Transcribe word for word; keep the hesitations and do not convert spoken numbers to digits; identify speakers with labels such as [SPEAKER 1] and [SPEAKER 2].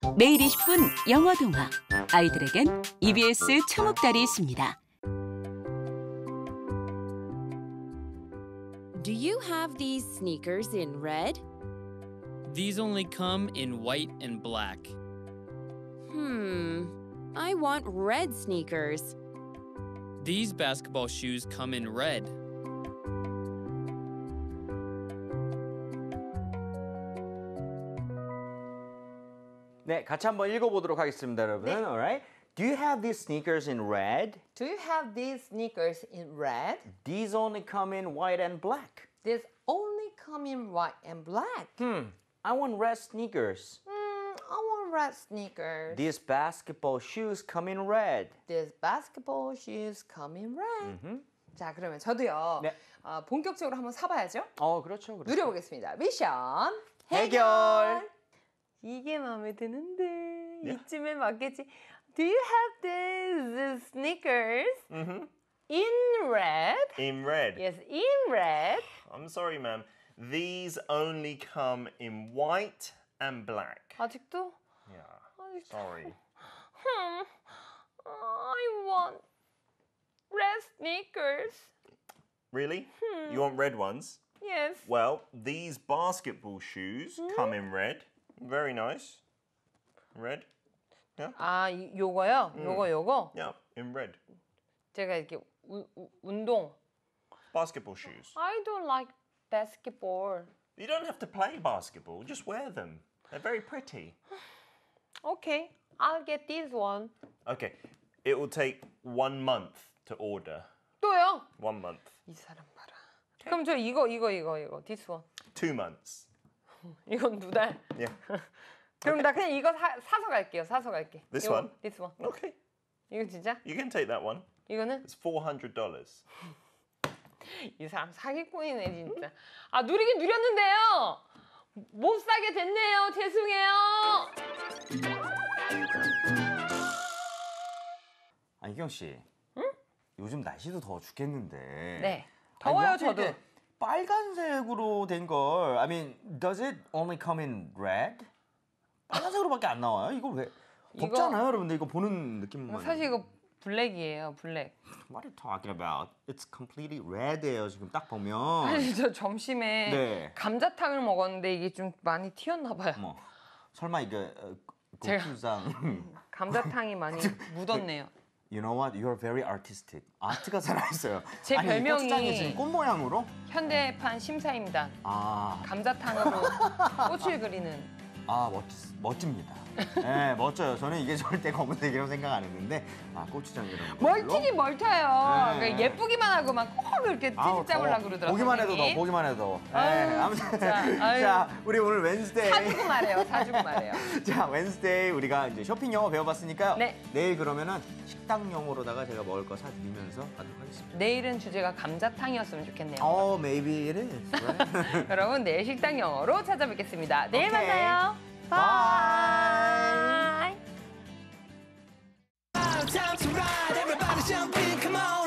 [SPEAKER 1] 매일 이십 분 영어 동화. 아이들에겐 이비에스 초목달이 있습니다.
[SPEAKER 2] Do you have these sneakers in red?
[SPEAKER 3] These only come in white and black.
[SPEAKER 2] Hmm, I want red sneakers.
[SPEAKER 3] These basketball shoes come in red.
[SPEAKER 4] 네, 같이 한번 읽어보도록 하겠습니다, 여러분.
[SPEAKER 5] 네.
[SPEAKER 4] Alright. Do you have these sneakers in red?
[SPEAKER 5] Do you have these sneakers in red?
[SPEAKER 4] These only come in white and black.
[SPEAKER 5] These only come in white and black.
[SPEAKER 4] Hmm, I want red sneakers.
[SPEAKER 5] Hmm, I want red sneakers.
[SPEAKER 4] These basketball shoes come in red.
[SPEAKER 5] These basketball shoes come in red.
[SPEAKER 4] 음흠.
[SPEAKER 5] 자, 그러면 저도요.
[SPEAKER 4] 네.
[SPEAKER 5] 어, 본격적으로 한번 사봐야죠.
[SPEAKER 4] 어, 그렇죠, 그렇죠.
[SPEAKER 5] 누려보겠습니다. 미션
[SPEAKER 4] 해결.
[SPEAKER 5] 이게 마음에 드는데 이쯤에 맞겠지. Do you have these sneakers
[SPEAKER 6] Mm-hmm.
[SPEAKER 5] in red?
[SPEAKER 6] In red.
[SPEAKER 5] Yes, in red.
[SPEAKER 6] I'm sorry, ma'am. These only come in white and black.
[SPEAKER 5] 아직도?
[SPEAKER 6] Yeah.
[SPEAKER 5] 아직도.
[SPEAKER 6] Sorry.
[SPEAKER 5] Hmm. I want red sneakers.
[SPEAKER 6] Really? You want red ones?
[SPEAKER 5] Yes.
[SPEAKER 6] Well, these basketball shoes come in red. Very nice. Red.
[SPEAKER 5] 아, 이- 요거요? 요거 요거?
[SPEAKER 6] Yeah, in red.
[SPEAKER 5] 제가 이렇게 우, 우, 운동.
[SPEAKER 6] Basketball shoes.
[SPEAKER 5] I don't like basketball.
[SPEAKER 6] You don't have to play basketball. Just wear them. They're very pretty.
[SPEAKER 5] Okay, I'll get this one.
[SPEAKER 6] Okay. It will take one month to order.
[SPEAKER 5] 또요?
[SPEAKER 6] One month.
[SPEAKER 5] 이 사람 봐라. 그럼 저 이거 이거 이거 이거 this one.
[SPEAKER 6] Two months.
[SPEAKER 5] 이건 두 달.
[SPEAKER 6] Yeah.
[SPEAKER 5] 그럼 나 그냥 이거 사, 사서 갈게요. 사서 갈게.
[SPEAKER 6] This
[SPEAKER 5] 이거,
[SPEAKER 6] one?
[SPEAKER 5] This one.
[SPEAKER 6] Okay.
[SPEAKER 5] 이거 진짜?
[SPEAKER 6] You can take that one.
[SPEAKER 5] 이거는?
[SPEAKER 6] It's four hundred dollars.
[SPEAKER 5] 이 사람 사기꾼이네 진짜. 아 누리긴 누렸는데요. 못 사게 됐네요. 죄송해요.
[SPEAKER 4] 아, 이경 씨. 응? 요즘 날씨도 더워 죽겠는데.
[SPEAKER 5] 네. 더워요
[SPEAKER 4] 아니,
[SPEAKER 5] 저도.
[SPEAKER 4] 이렇게 빨간색으로 된 걸. I mean, does it only come in red? 빨간색으로밖에 안 나와요? 이거 왜?
[SPEAKER 5] 이거-
[SPEAKER 4] 덥잖아요, 여러분들. 이거 보는 느낌만.
[SPEAKER 5] 사실 이거 블랙이에요. 블랙.
[SPEAKER 4] What are you talking about? It's completely red예요. 지금 딱 보면.
[SPEAKER 5] 사실 저 점심에
[SPEAKER 4] 네.
[SPEAKER 5] 감자탕을 먹었는데 이게 좀 많이 튀었나 봐요.
[SPEAKER 4] 뭐 설마 이거 어,
[SPEAKER 5] 제가-
[SPEAKER 4] 고추장.
[SPEAKER 5] 감자탕이 많이 묻었네요.
[SPEAKER 4] You know what? You're very artistic. 아트가 살아있어요.
[SPEAKER 5] 제
[SPEAKER 4] 아니,
[SPEAKER 5] 별명이-
[SPEAKER 4] 고추장이 지금 꽃 모양으로?
[SPEAKER 5] 현대판 심사입니다.
[SPEAKER 4] 아,
[SPEAKER 5] 감자탕으로 꽃을 그리는.
[SPEAKER 4] 아 멋, 멋집니다. 네, 멋져요. 저는 이게 절대 검은색이라고 생각 안 했는데 아 고추장 이런 거.
[SPEAKER 5] 멀티긴 멀타요.
[SPEAKER 4] 네.
[SPEAKER 5] 그러니까 예쁘기만 하고만 꼭 이렇게
[SPEAKER 4] 아우,
[SPEAKER 5] 찌직 잡으려고
[SPEAKER 4] 더워.
[SPEAKER 5] 그러더라고요.
[SPEAKER 4] 보기만 해도 더워. 보기만 해도 더워. 네,
[SPEAKER 5] 아유,
[SPEAKER 4] 아무튼
[SPEAKER 5] 진짜. 아유.
[SPEAKER 4] 자, 우리 오늘 웬스데이.
[SPEAKER 5] 사주고 말해요. 사주고 말해요.
[SPEAKER 4] 자, 웬스데이 우리가 이제 쇼핑 영어 배워봤으니까요.
[SPEAKER 5] 네.
[SPEAKER 4] 내일 그러면은 식당 영어로다가 제가 먹을 거 사드리면서 가도록 하겠습니다.
[SPEAKER 5] 내일은 주제가 감자탕이었으면 좋겠네요.
[SPEAKER 4] Oh, maybe it is. Right?
[SPEAKER 5] 여러분 내일 식당 영어로 찾아뵙겠습니다. 내일
[SPEAKER 4] 오케이.
[SPEAKER 5] 만나요.
[SPEAKER 4] Bye.
[SPEAKER 5] 바이.
[SPEAKER 7] Time to ride, everybody jump in, come on.